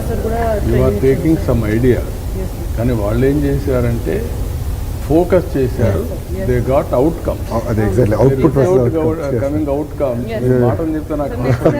Sir కూడా you are taking some idea, కానీ వాళ్ళు ఏం చేశారంటే ఫోకస్ చేశారు. They got outcome. అదే ఎగ్జాక్ట్లీ అవుట్పుట్ కమింగ్ అవుట్కమ్. మాటలు చెప్తే నాకు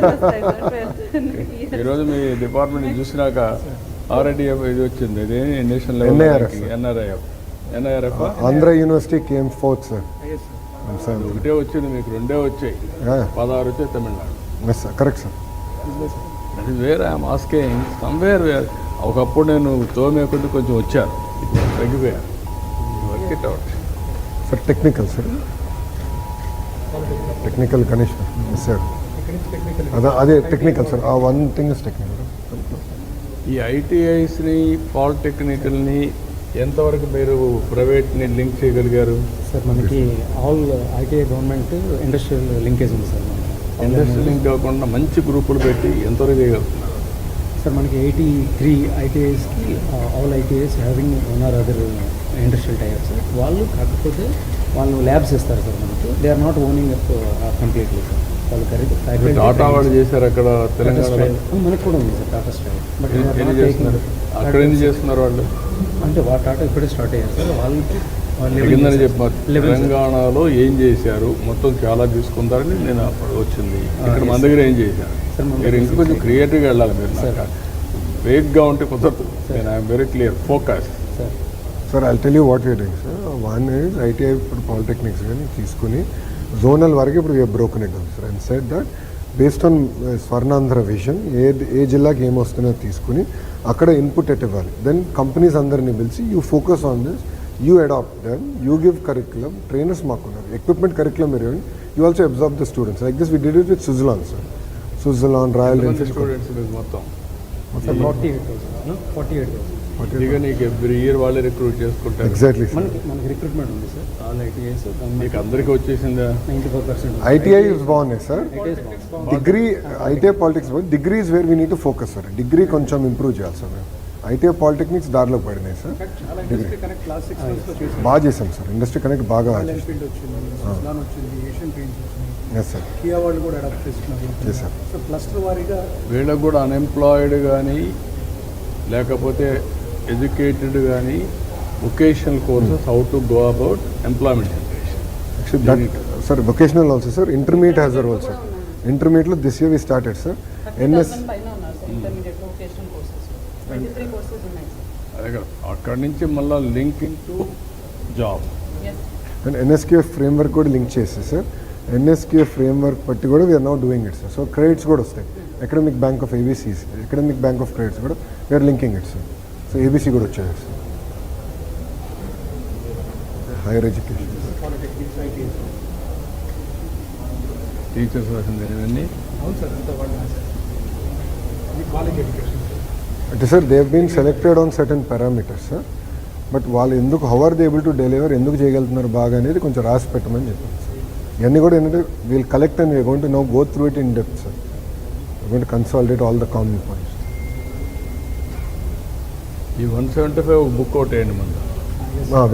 ఈరోజు మీ డిపార్ట్మెంట్ చూసినాక ఆర్ఐడిఎఫ్ ఇది వచ్చింది, ఇది national level NIRF Andhra university came fourth sir. ఒకటే వచ్చింది, మీకు రెండే వచ్చాయి, 16 వచ్చాయి Tamil Nadu. Correct sir. That is where I'm asking somewhere where. ఒకప్పుడు నేను తోమే కొద్ది కొంచెం వచ్చాను, తగ్గిపోయాను. Work it out sir. Technical sir, technical Ganesh sir. అదే టెక్నికల్ సార్. ఆ వన్ థింగ్ ఇస్ టెక్నికల్. ఈ ఐటీఐస్ని పాలిటెక్నికల్ని ఎంతవరకు మీరు ప్రైవేట్ని లింక్ చేయగలిగారు? సార్ మనకి all ITI government industrial linkage ఉంది సార్. ఇండస్ట్రియల్ లింక్ కాకుండా మంచి గ్రూపులు పెట్టి ఎంతవరకు చేయగలుగుతున్నారు? సార్ మనకి 83 ఐటీఐస్కి all ITIs having one or other industrial tiers. వాళ్ళు కాకపోతే వాళ్ళు ల్యాబ్స్ ఇస్తారు సార్ మనకి. They are not owning completely sir. వాళ్ళు కరెక్ట్ టాటా వాళ్ళు చేశారు అక్కడ తెలంగాణలో. మనకు కూడా ఉంది సార్ టాటా స్ట్రైవ్. బట్ అక్కడ ఏం చేస్తున్నారు వాళ్ళు? అంటే టాటా ఇప్పుడే స్టార్ట్ అయ్యారు సార్. వాళ్ళకి కిందని చెప్పారు తెలంగాణలో ఏం చేశారు, మొత్తం చాలా తీసుకుంటారని నేను అప్పుడు వచ్చింది. ఇక్కడ మన దగ్గర ఏం చేశారు? మీరు ఇంకా కొంచెం క్రియేటివ్గా వెళ్ళాలి. మీరు వేగ్గా ఉంటే కుదరదు. నేను I'm very clear focus. Sir I tell you what you're doing sir. One is ITI ఇప్పుడు పాలిటెక్నిక్స్ కానీ తీసుకుని జోనల్ వరకు ఇప్పుడు we're broken it down sir. And set that based on Swarnandhra vision ఏ జిల్లాకి ఏమొస్తుందో తీసుకుని అక్కడ ఇన్పుట్ ఎట్ ఇవ్వాలి. దెన్ కంపెనీస్ అందరినీ పిలిచి you focus on this, you adapt them, you give curriculum. Trainers మాకున్నారు, ఎక్విప్మెంట్ కరిక్యులం మీరు you also observe the students. Like this we did it with Switzerland sir. Switzerland, Royal Enfield students మొత్తం 48,000. ఇక నీకు every year వాళ్ళే recruit చేసుకుంటారు. Exactly sir. మనకి recruitment ఉంది sir. All ITIs మీకు అందరికీ వచ్చేసిందా? 94%. ఐటీఐ బాగున్నాయి sir. Degree ITI politics degree is where we need to focus sir. Degree కొంచెం ఇంప్రూవ్ చేయాలి సార్. ఐటీఐ పాలిటెక్నిక్స్ దారిలో పడినాయి సార్. డిగ్రీ బాగా చేసాం సార్. ఇండస్ట్రీ కనెక్ట్ బాగా ఎస్ సార్. కియా వాళ్ళు కూడా అడాప్ట్ చేస్తున్నారు. Yes sir. సో క్లస్టర్ వారీగా వీళ్ళకు కూడా అన్ఎంప్లాయిడ్ కానీ లేకపోతే ఎడ్యుకేటెడ్ కానీ vocational courses how to go about employment generation. Sir vocational also sir. Intermediate has there also. ఇంటర్మీడియట్లో this year we started sir. అదే కదా, అక్కడి నుంచి మళ్ళీ linking to job. And NSQF framework కూడా లింక్ చేస్తే సార్. ఎన్ఎస్క్యూఎఫ్ ఫ్రేమ్వర్క్ బట్టి కూడా we're now doing it sir. So credits కూడా వస్తాయి. Academic bank of ABCs, academic bank of credits కూడా we're linking it sir. So ABC కూడా వచ్చాయి sir. Higher education, teachers రాసింది ఇవన్నీ. అంటే sir they been selected on certain parameters sir. But వాళ్ళు ఎందుకు how are they able to deliver, ఎందుకు చేయగలుగుతున్నారు బాగా అనేది కొంచెం రాసి పెట్టమని చెప్పారు సార్. ఇవన్నీ కూడా ఏంటంటే we'll collect and we're going to now go through it in depth sir. We're going to consolidate all the common points. ఈ 175 బుక్ అవుట్ అయ్యండి మన